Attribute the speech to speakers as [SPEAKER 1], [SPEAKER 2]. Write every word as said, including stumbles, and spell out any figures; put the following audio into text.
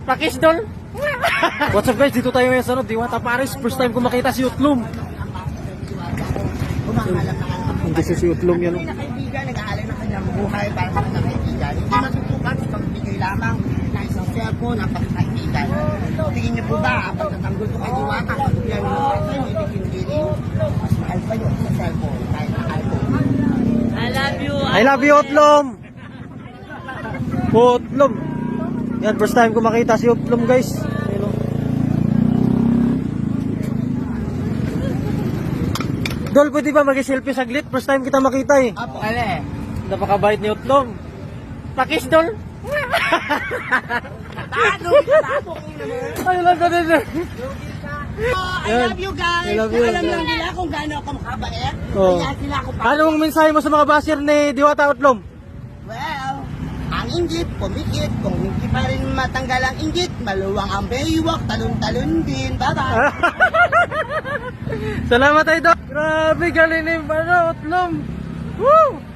[SPEAKER 1] Pakis Dol. What's up guys, dito tayo ngayon sa ano, Diwata Paris. First time ko makita si Utlom. Hindi siya si Utlom yan.
[SPEAKER 2] Hindi na kaibigan, nag-aalay ng kanyang buhay para sa kanyang kaibigan. Hindi matutukan sa pagbigay lamang ng isang cellphone ng pagkakaibigan. Tingin niyo po ba, ang pagtatanggol ko kay Diwata, pagbibigan niyo sa inyo, ibig hindi rin, mas mahal pa yun sa cellphone kahit na iPhone.
[SPEAKER 3] I love you.
[SPEAKER 1] I love you Utlom. Utlom. Yan, first time ko makita si Utlom guys. Ayun, oh. Dol, pwede ba mag-selfie saglit? First time kita makita eh.
[SPEAKER 2] Apo, ale.
[SPEAKER 1] Napakabait ni Utlom. Pakis Dol.
[SPEAKER 2] Ano? Tapo ko naman.
[SPEAKER 1] Ay, lang ka din.
[SPEAKER 2] I love you guys.
[SPEAKER 1] I love you.
[SPEAKER 2] Alam lang nila kung gaano ako makabait.
[SPEAKER 1] Oh.
[SPEAKER 2] Kaya sila ako pa.
[SPEAKER 1] Anong mensahe mo sa mga basher ni Diwata Utlom?
[SPEAKER 2] Well, ang inggit, pumikit. Kung hindi pa rin matanggal ang inggit, maluwang ang baywalk, talon-talon din. Bye-bye.
[SPEAKER 1] Salamat Idol. Grabe galing ni ano, Utlom. Woo!